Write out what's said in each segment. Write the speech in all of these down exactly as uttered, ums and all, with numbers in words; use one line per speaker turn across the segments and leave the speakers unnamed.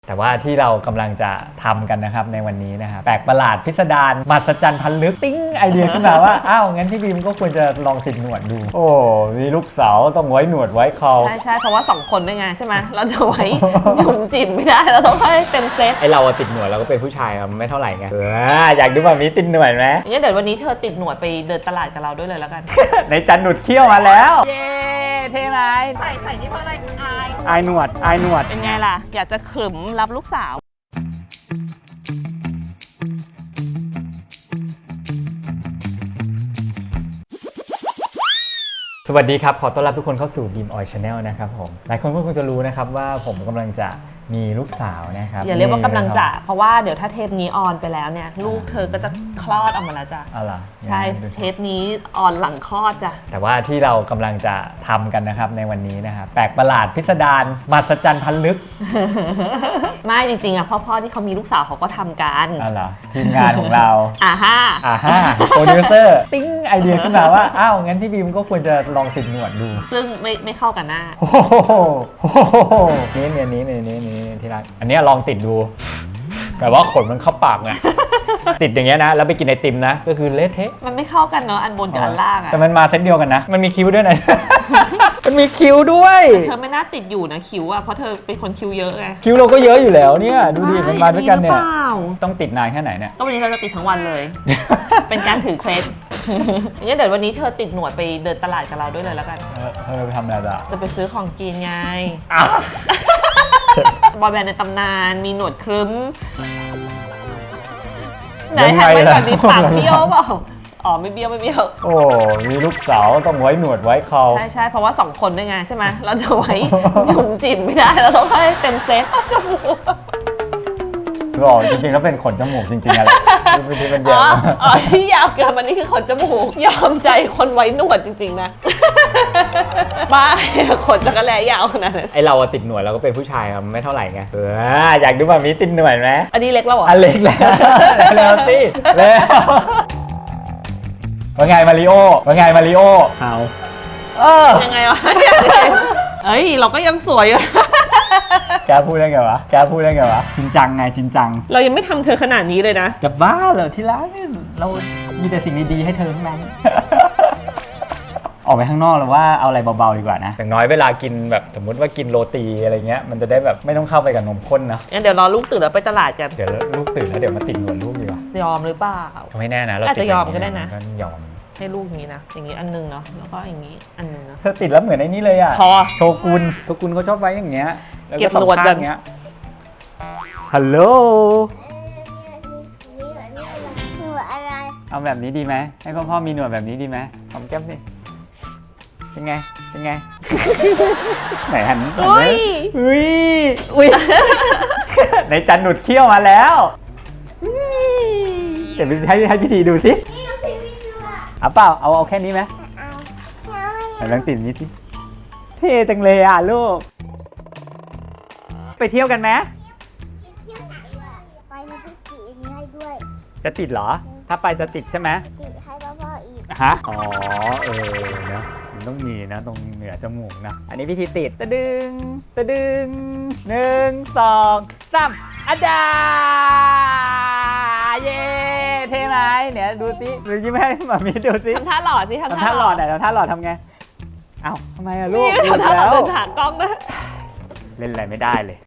แต่ว่าที่เรากำลังจะทำกันนะครับในวันนี้นะครับแปลกประหลาดพิสดารมหัศจรรย์พันลึกติ้งไอเดียขึ้นมาว่าอ้าวงั้นพี่บีมก็ควรจะลองติดหนวดดูโอ้มีลูกสาวต้องไว้หนวดไว้เขา
ใช่ใช่เพราะว่าสองคนด้วยไงใช่ไหมเราจะไว้จุ่มจิ๋มไม่ได้เราต้องให้เต็มเซต
ไอเราติดหนวดเราก็เป็นผู้ชายไม่เท่าไหร่ไงเอออยากดูแบบนี้ติดหนวดไหม
งั้นเดี๋ยววันนี้เธอติดหนวดไปเดินตลาดกับเราด้วยเลยแล้วกัน
ในจันหนุดเขี้ยวมาแล้วเย้เท่ไหม
ใส่ใส่นี่เพราะอะไรอาย
อายหนวดอายหนวด
เป็นไงล่ะอยากจะขรึมรับลูกสาว
สวัสดีครับขอต้อนรับทุกคนเข้าสู่ Beam Oil Channel นะครับผมหลายคนก็คงจะรู้นะครับว่าผมกำลังจะมีลูกสาวนะครับ
อย่าเรียกว่ากำลังจะเพราะว่าเดี๋ยวถ้าเทปนี้ออนไปแล้วเนี่ยลูกเธอก็จะคลอดออกมาแล้วจ้ะ
อ๋อเหรอ
ใช่เทปนี้ออนหลังคลอดจ้ะ
แต่ว่าที่เรากำลังจะทำกันนะครับในวันนี้นะครับแปลกประหลาดพิสดารมหัศจรรย์พันลึก
ไม่จริงๆอ่ะพ่อๆที่เขามีลูกสาวเขาก็ทำกัน
อ๋อเหรอทีมงานของเรา
อ่าฮ่า
อ่าฮ่าโปรดิวเซอร์ติ้งไอเดียขึ้นมาว่าอ้าวงั้นพี่บีมก็ควรจะลองติดหนวดดู
ซึ่งไม่ไม่เข้ากันหน้า
โอ้โหนี่เนี่ยนี้นี่นี่นี่ที่รักอันนี้ลองติดดูแต่ว่าขนมันเข้าปากไง ติดอย่างเงี้ยนะแล้วไปกินไอติมนะก็คือเละเทะ
มันไม่เข้ากันเนาะอันบนกับอันล่างอะ
แต่มันมาเซตเดียวกันนะมันมีคิ้วด้วยนะ มันมีคิ้วด้วย
เธอไม่น่าติดอยู่นะคิ้วอะเพราะเธอเป็นคนคิ้วเยอะไง
คิ้วเราก็เยอะอยู่แล้วเนี่ยดูดิมันมาด้วยกันเนี่ยต้องติดนานแค่ไหนเนี่ย
ก็วันนี้เราจะติดทั้งวันเลย เป็นการถือเคล็ดงั้นเดี๋ยววันนี้เธอติดหนวดไปเดินตลาดกับเราด้วยเลยแล้วกัน
เออไปทำอะไรจ้ะ
จะไปซื้อของกินไงบอยแบนด์ในตำนานมีหนวดครึ้มไหนหันไปก่อนดิปากเบี้ยวเปล่าอ๋อไม่เบี้ยวไม่เบี้ยว
โอ้มีลูกสาวต้องไว้หนวดไว้เขา
ใช่ใช่เพราะว่าสองคนด้วยไงใช่ไหมเราจะไว้จุ่มจิ๋มไม่ได้เราต้องให้เต็มเซตจมูก
หรอจริงๆแล้วเป็นขนจมูกจริงๆอะไรที่เป็นยาว
อ๋อที่ยาวเกินมันนี่คือขนจมูกยอมใจคนไว้หนวดจริงๆนะบ้าขนจักรแลยาวขนาดนั้น
ไอเราติดหนวดเราก็เป็นผู้ชายไม่เท่าไหร่ไงเอออยากดูแบบนี้ติดหนวดไหม
อันนี้เล็กแล้วเหรอ
อันเล็กแล้วแล้วสิแล้วว่าไงมาริโอว่าไงมาริโอเอา
เออยังไงวะเอ้ยเราก็ยังสวยอยู่
แกพูดได้ไงวะแกพูดได้ไงวะชินจังไงชินจัง
เรายังไม่ทำเธอขนาดนี้เลยนะ
จะบ้าเหรอที่รักเรามีแต่สิ่งดีๆให้เธอทั้งนั้น ออกไปข้างนอกหรือว่าเอาอะไรเบาๆดีกว่านะอย่างน้อยเวลากินแบบสมมติว่ากินโรตีอะไรเงี้ยมันจะได้แบบไม่ต้องเข้าไปกับนมข้นนะ
งั้นเดี๋ยวรอลูกตื่นแล้วไปตลาดกัน
เดี๋ยวลูกตื่นแล้วเดี๋ยวมาติดหนวดลูกดีกว่าย
อมหรือเปล่า
ไม่แน่นะเรา
อาจจะยอมก็ได้นะ
ยอม
ให้ลูกอย่างนี้นะอย่างนี้อันนึงเนาะแล้วก็อย่างนี้อันนึงนะ
เธอติดแล้วเหมือนไอ้นี่เลยอะ
พอ
โชกุนโชกุนเขาชอบไว้อย่างเงี้ย
เก็บหนวดกัน
เงี้ยฮัลโหล
หนวดอะไร
เอาแบบนี้ดีไหมให้พ่อพ่อมีหนวดแบบนี้ดีไหมหอมแก้มสิเป็นไงเป็นไงไหนหัน
อุ้ย
อุ้ยอุ้ยในจันหนุดเขี้ยวมาแล้วเดี๋ยวให้ให้พี่ทีดูสิเอาเปล่าเอาเอาแค่นี้ไหมเอาลองติดนี้สิเท่จังเลยอ่ะลูกไปเที่ยวกันไหม
ไปนะพี่ติดนี้ให้ด้วย
จะติดเหรอถ้าไปจะติดใช่ไหม
ติดให้พ่ออีก
ฮะอ๋อเออนะมันต้องมีนะตรงเหนือจมูกนะอันนี้พี่ทีติดตะดึงตะดึงหนึ่งสองสามอาจารย์เย้เท่ไหมเนี่ยดูสิดูยิ้มให้หมามีดูสิ
ทำท่าหล่อสิท
ำท่าหล่อไหนทำท่าหล่อทำไงเอ้าทำไมอะลูก
ทำท่าหล่อเดินถากล้องด้วย
เล่นอะไรไม่ได้เลย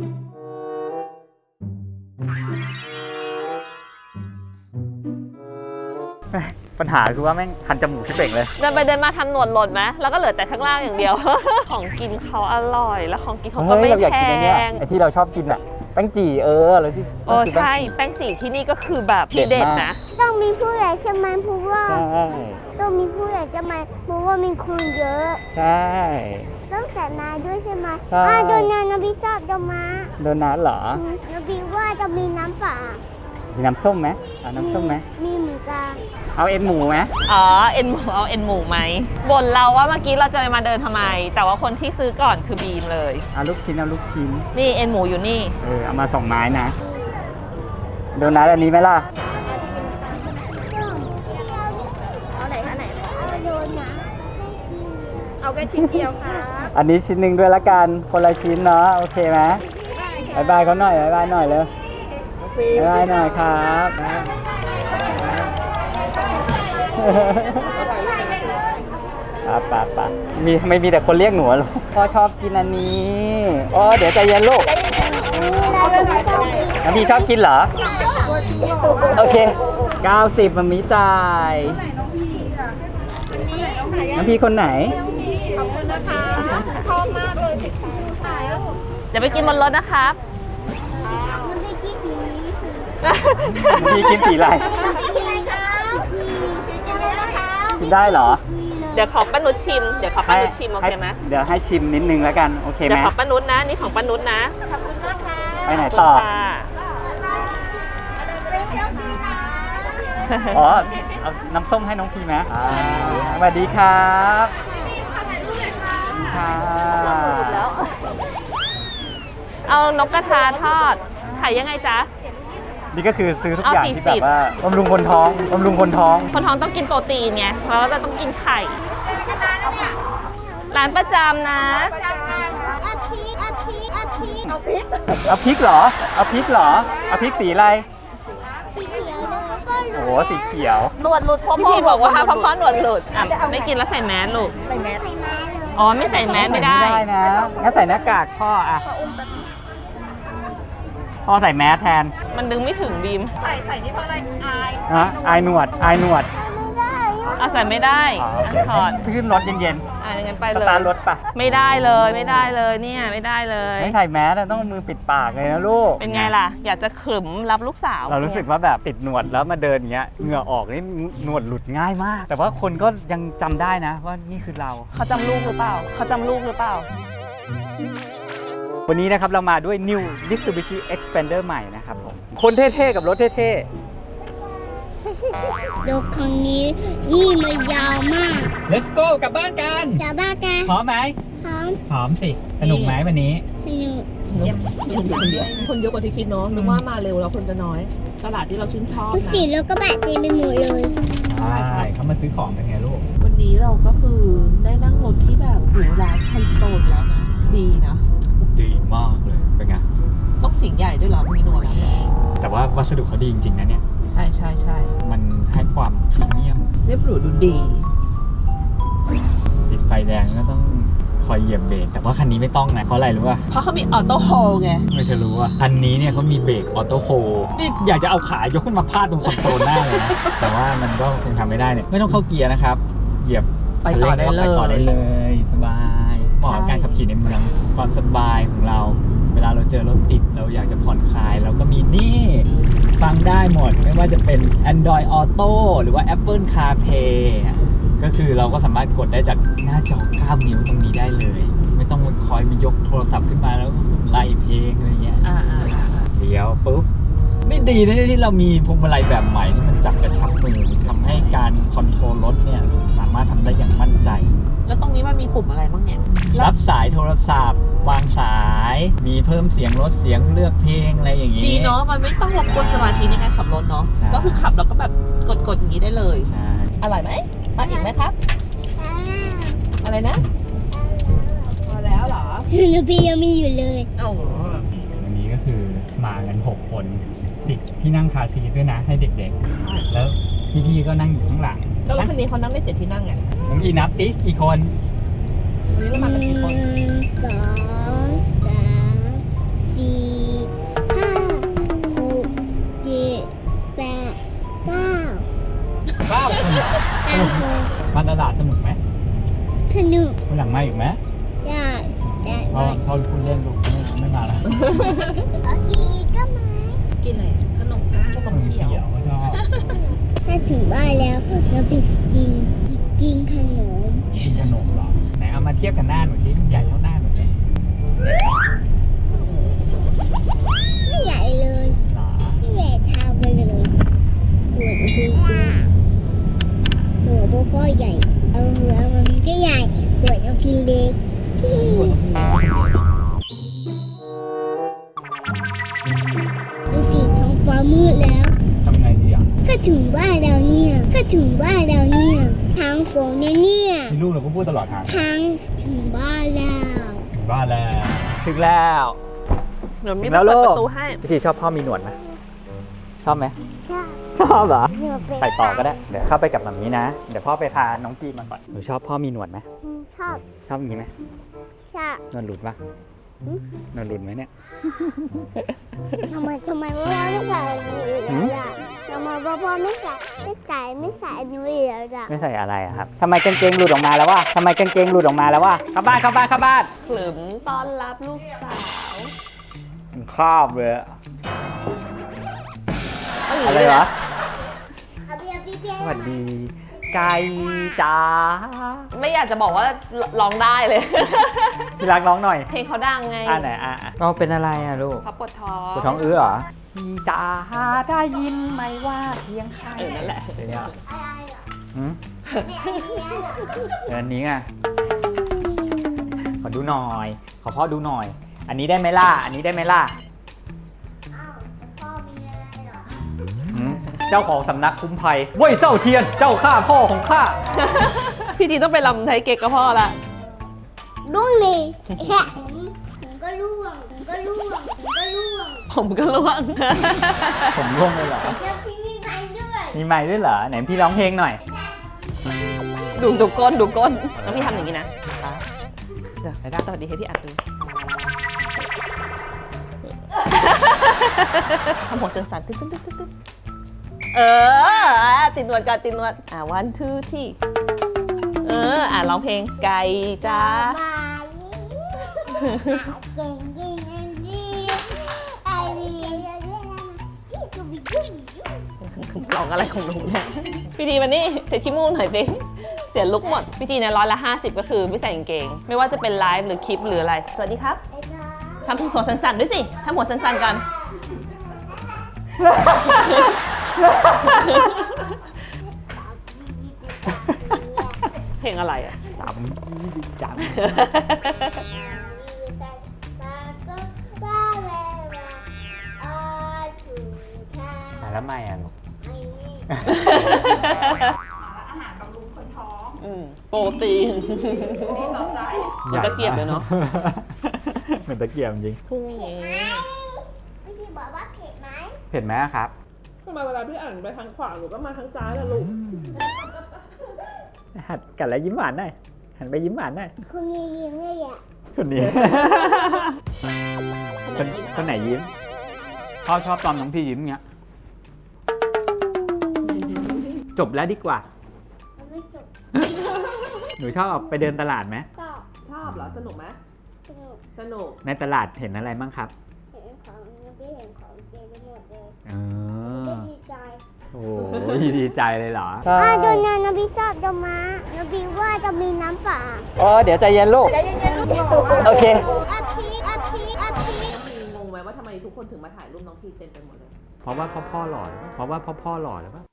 ปัญหาคือว่าแม่งคันจมูกชิบเป่งเลย
เดินไปเดินมาทำหนวดหล่นไหมแล้วก็เหลือแต่ข้างล่างอย่างเดียว ของกินเขาอร่อยแล้วของกินเขาก็ไม่แพง
ไอที่เราชอบกินอะแป้งจี่เออเราที่
โอ้ใช่แป้งจี่ที่นี่ก็คือแบบทีเด็ดนะ
ต้องมีผู้ใหญ่ใช่ไหมเพราะว่าต้องมีผู้ใหญ่ใช่ไหมเพราะว่ามีคนเยอะ
ใช่
ต้องใส่มาด้วยใช่ไหมอ่าโดนัทนบีชอบโดมา
โดนัทเหร
อนบีว่าจะมีน้ำเปล่า
มีน้ำส้มไหมเอาน้ำส้มไหม
มีหมูกา
เอาเอ็นหมูไหม
อ๋อเอ็นหมูเอาเอ็นหมูไหมบ่นเราว่าเมื่อกี้เราจะมาเดินทำไมแต่ว่าคนที่ซื้อก่อนคือบีมเลย
เอาลูกชิ้นเอาลูกชิ้น
นี่เอ็นหมูอยู่นี่
เออเอามาสองไม้นะโดนัทอันนี้ไหมล่ะ
เอาไหนอันไหนเอาโดนัท
เอาแค่ชิ้นเดียวค่ะ
อันนี้ชิ้นหนึ่งด้วยละกันคนละชิ้นเนาะโอเคไหม
โอเค
บายบายเขาหน่อยบายบายหน่อยเลยบายบายหน่อยครับป่ะป่ะป่ะมีไม่มีแต่คนเรียกหนูลูกพ่อชอบกินอันนี้อ๋อเดี๋ยวใจเย็นลูกน้ำพี่ชอบกินเหรอโอเคเก้าสิบมันมีจ่ายน้ำพี่คนไหน
ขอบคุณนะคะ ชอบมากเลยเดี๋ยวไปกินบนรถนะครับ
มันไม่กี่สีสี
น้ำพี่กินสีอะไร
สีอะไรครับสีกินได้นะคะ
กินได้เหรอ
เดี๋ยวขอป้านุชชิม เดี๋ยวขอป้านุชชิมโอเคไหม
เดี๋ยวให้ชิมนิดนึงแล้วกันโอเคไห
เดี๋
ม
ยวขอป้านุชนะ นี่ของป้านุชนะ
ขอบคุณมากค่ะ
ไปไหนต่อ
ค่ะ
ไปเที่ยวดีนะ
อ๋อเอาน้ำส้มให้น้องพีไหมอ่าสวัสดีครับสวัสดีค่ะ
แล้ว เอานกกระทาทอดขายยังไงจ๊ะ
นี่ก็คือซื้อทุก
เอา
อย่าง
สี่
ที่
สิ
แบบ บว่าบำรุงคนท้องบำรุงคนท้อง
คนท้องต้องกินโปรตีนไงแล้วก็ต้องกินไข่ ร้านประจำนะ
อาทิตย์อาทิตย์อาทิตย์เอาพริก
เอาพริกเหรอเอาพริกเหรอเอาพริกสีอะไร
สีเขียวเลยแล้วก็
โอ้โหสีเขียว
หนวดหลุดพ่อพี่บอกว่าเพราะพ่อหนวดหลุดอ่ะไม่กินแล้วใส่แมสลูก
ใส่แมสใส่แมสเลย
อ๋อไม่ใส่แมสไม่ได้
ไม่ได้นะงั้นใส่หน้ากากพ่ออะพ่อใส่แมสแทน
มันดึงไม่ถึงบีม ใส่ใส่นี่เพราะอะไรอาย
ฮะอายหนวดอายหนวด
ไม่ได้
อ่ะใส่ไม่ได้
อ๋อโอเค
ถอด
ขึ้นรถเย็น
อ่ะงั้นไป
ๆส
เลย
ตาร์ทรถปะ
ไม่ได้เลยไม่ได้เลยเนี่ยไม่ได้เลย
ไม่ใส่แมสอะต้องเอามือปิดปากเลยนะลูก
เป็นไงล่ะ อยากจะขรึมรับลูกสาว
เรารู้สึกว่าแบบติดหนวดแล้วมาเดินอย่างเงี้ยเหงื่อออกนี่หนวดหลุดง่ายมาก แต่ว่าคนก็ยังจำได้นะว่านี่คือเรา
เขาจำลูกหรือเปล่าเขาจำลูกหรือเปล่า
วันนี้นะครับเรามาด้วย New Mitsubishi Xpander ใหม่นะครับผมคนเท่ๆกับรถเท่
รถคันนี้นี่มันยาวมาก
ๆ Let's go กลับบ้านกัน
จะบ้ากัน
พร้อมไหม
พร้อม
พร้อมสิสนุกไหมวันนี้
สนุก
คนเยอะกว่าที่คิดเนาะนึกว่ามาเร็วแล้วคนจะน้อย ตลาดที่เราชื่นชอบ
ทุก
นะ
สีรถก็แบบเต็มไปหมดเลย
ใช่เขามาซื้อของกันไงลูก
วันนี้เราก็คือได้นั่งรถที่แบบหรูหราไฮโซแล้วนะ ดีนะ
ดีมากเลยเป็นไง
ต้องสิ่งใหญ่ด้วยเหรอมีหนวดแล้ว
แต่ว่าวัสดุเขาดีจริงๆนะเนี่ย
ใช่ใช่ใช่
มันให้ความพรีเมียม
เรียบหรูดูดี
ติดไฟแดงก็ต้องคอยเหยียบเบรกแต่ว่าคันนี้ไม่ต้องนะเพราะอะไรรู้ป่ะ
เพราะเขามีออโต้โฮลไง
ไม่เธอรู้อ่ะคันนี้เนี่ยเขามีเบรกออโต้โฮนี่อยากจะเอาขายกขึ้นมาพาดตรงคอนโซลหน้าเลยนะ แต่ว่ามันก็คงทำไม่ได้เนี่ยไม่ต้องเข้าเกียร์นะครับ เหยียบ
ไปต่อได้เลย
ไปต่อได้เลยสบายเหมาะกับการขับขี่ในเมืองความสบายของเรา เวลาเราเจอรถติดเราอยากจะผ่อนคลายเราก็มีนี่ฟังได้หมดไม่ว่าจะเป็น Android Auto หรือว่า Apple CarPlay ก็คือเราก็สามารถกดได้จากหน้าจอเก้านิ้วตรงนี้ได้เลย ไม่ต้องมาคอยมายกโทรศัพท์ขึ้นมาแล้วไล่เพลงอะไรเงี้ย
อ่าอ่าอ่า
เดี๋ยวปุ๊บนี่ดีนะที่เรามีพวงมาลัยแบบใหม่ที่มันจับกระชับมือทำให้การคอนโทรลรถเนี่ยสามารถทำได้อย่างมั่นใจ
แล้วตรงนี้มันมีปุ่มอะไรบ้างเนี่ย
รับสายโทรศัพท์ วางสาย มีเพิ่มเสียงลดเสียงเลือกเพลงอะไรอย่างงี้
ดีเนาะ มันไม่ต้องรบกวนสมาธิในการขับรถเนาะ
ใช่
ก็คือขับแล้วก็แบบกดๆอย่างนี้ได้เลย
ใช่
อร่อยไหมมาอีกไหมครับ อะไรนะ พอแล้วเหรอ
หนูพี่ยังมีอยู่เลย
โอ้โห
วันนี้ก็คือมากันหกคนติดที่นั่งคาร์ซีทด้วยนะให้เด็กๆ แล้วพี่ๆก็นั่งอยู่ข้างหลัง
ก็รถคันนี้เขานั่งได้เจ็ดที่นั่งไง
น้องอีนับติกี่คน
วันนี้เรามากันกี่คน
หนึ่งสองสามสี่ห้าหกเจ็ดแปดเก้า
เก้าคน
เก้าคน
มาตลาดสนุกไหม
สนุก
วันหลังมาอีกไหม
ได้ได้
เพราะเขาพูดเล่นลูกไม่ไม่มาแล้ว
โอเคอีกก็มา
กินอะไรขนมขนมเขียว
ก็ชอบ
ถ้าถึงบ้านแล้วเราไปกินกินขนม
กินขนมเหรอไหนเอามาเทียบกันหน้าหนูสิใหญ่เท่าหน้าหนูเลย
ไม่ใหญ่เลย
หรอ
ไม่ใหญ่เท่ากันเลยหัวพี่หัวพ่อพ่อใหญ่เอาหัวมันก็ใหญ่หัวน้องพี่เล็กดูสิท้องฟ้ามืดแล้ว
ทำไงดีอ่ะ
ก็ถึงบ้านเราเนี่ย ก็ถึงบ้านเราเนี่ยทางฝนเนี่ยเนี่ย
ที่ลูกเราก็พูดตลอดทาง
ทางถึงบ้านแล้ว
ถึงบ้านแล้ว ถึงแล้ว
เดี๋ยวมี
ถึง
ไป
แล้ว
เปิด
ลูก
ประตูให้
พี่ทีชอบพ่อมีหนวดไหมชอบไหม
ชอบ
ชอบเหรอ
หนูเป็น
ใส่ต่อก็ได้เดี๋ยวเข้าไปกับมัมมี่นะเดี๋ยวพ่อไปพาน้องกีมาก่อนหนูชอบพ่อมีหนวดไหม
อืมชอบ
ชอบอย่างนี้ไหม
ชอบ
หนวดหลุดปะหนวดหลุดไหมเนี่ย
ทำไมทำไมพ่อไม่ใส่หนูอีก
หืม
แล้วล่ะทำไมพ่อไม่ใส่ไม่ใส่ไม่ใส่หนูอีกแล้วล่ะ
ไม่ใส่อะไรอะครับทำไมกางเกงหลุดออกมาแล้ววะทำไมกางเกงหลุดออกมาแล้ววะเข้าบ้านเข้าบ้านเข้าบ้าน
ขลึมต้อนรับลูกสาว
มันคาบเลยอะ
เอาอย่าง
อะไร
นี้เลยว
ะ
นะ
เอาเบียร์พี่เบียร์
สวัสดี ไก่จ๋า
ไม่อยากจะบอกว่าร้องได้เลย
พี่รักน้องหน่อย
เพลงเขาดังไง
อ่าไหนอ่ะอ่ะน้องเป็นอะไรอ่ะลูก
เขาปวดท้อง
ปวดท้องอื้อเหรอพี่จ๋าได้ยินไหมว่าเพียงใคร
เออนั่นแหละ
เดี๋ยวนี้
อะไรเหรอ
หืม
ไม่อันนี้เหรอ
เดี๋ยวอันนี้ไงขอดูหน่อย ขอพ่อดูหน่อย อันนี้ได้ไหมล่ะ อันนี้ได้ไหมล่ะ
อ้าวพ่อมีอะไรเหรอ
หืมเจ้าของสำนักคุ้มภัยเว้ยเจ้าเทียน เจ้าข้าพ่อของข้า
พี่ทีต้องไปลำไทยเก๊กกับพ่อละ
ร่วงเลยแฮะผมก็ร่วงผมก็ร่วงผมก็ร่วง
ผมก็ล่วง
ผมร่วงเลยเหรอ
แล้วพี่มีไม้ด้วย
มีไม้ด้วยเหรอ ไหนพี่ร้องเพลงหน่อย
ดูดูก้นดูก้นแล้วพี่ทำอย่างนี้นะเดี๋ยวสวัสดีให้พี่อัดดูทำหัวเสียงสั่นตึ๊ดตึ๊ดตึ๊ดตึ๊ดเอออ่ะติดหนวดก่อนติดหนวดอ่ะ one two three เอออ่ะร้องเพลงไก่จ้า
มาเก่งจริงจริงไอ้ลีพี่ก็มียุ่งยุ่ง
ร้องอะไรของหนูเนี่ยพี่ทีวันนี้เช็ดขี้มูกหน่อยสิเสียลุกหมดพี่ทีเนี่ยร้อยละห้าสิบก็คือไม่ใส่กางเกง ไม่ว่าจะเป็นไลฟ์หรือคลิปหรืออะไร สวัสดีครับ
ไอ้จ้า
ทำหัวสั่นๆด้วยสิทำหัวสั่นๆกัน เพลงอะไรอ่ะ
จำจำ มาแล้วไม่อ่ะลูก
อืมโปรตีนเหมือนตะเกียบเลยเนาะ
เหมือนตะเกียบจริง
พรุ่งนี้
พี่ทีบอกว่าเผ็ดไหม
เผ็ดไหมครับ
ทำไมเวลาพี่อ่านไปทางขวาหนูก็มาทางซ้ายล่ะลูก
หัดกันแล้วยิ้มหวานหน่อยหันไปยิ้มหวานหน่อย
คุณยิ้มยิ้มเลยอ่ะ
คนนี้ คนคนไหนยิ้มพ่อชอบตอนน้องพี่ยิ้มเงี้ย จบแล้วดีกว่า
มันไม่จบ
หนูชอบออกไปเดินตลาดไหม
ก็
ชอบเหรอ สนุกไหม
สนุก
สนุก
ในตลาดเห็นอะไรบ้างครับ
เห็นของยังไม่เห็นของเต็มไปหมดเลย
เอ
ก็
อ
ดีใจ
โอ้ยดีใจเลยเหรอ
อ่าโดนนานาบิชอบดอกม้านาบิว่าจะมีน้ำป่า
อ๋อเดี๋ยวใจเย็นลูก
ใจเย็นๆลูก
โอเค
อาพีอาพีอาพี
งงไหมว่าทำไมทุกคนถึงมาถ่ายรูปน้องพีเต็มไปหมดเลย
เพราะว่าพ่อพ่อหล่อหรือเปล่าเพราะว่าพ่อพ่อหล่อหรือเปล่า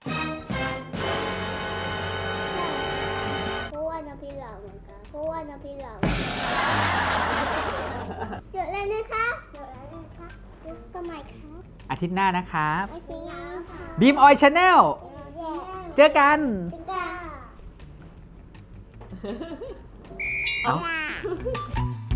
เพราะว่านาบิเหล่าเหมือนกันเพราะว่านาบิเหล่าเดี๋ยวเลยนะคะเดี๋ยวเลยนะคะเดี๋ยวก็ใหม่ครับ
อาทิตย์หน้านะครับ
โอเคค่ะ
บีมออยชาแนล
เย้
เจอกัน
ติ๊กเกอร์
เอ้า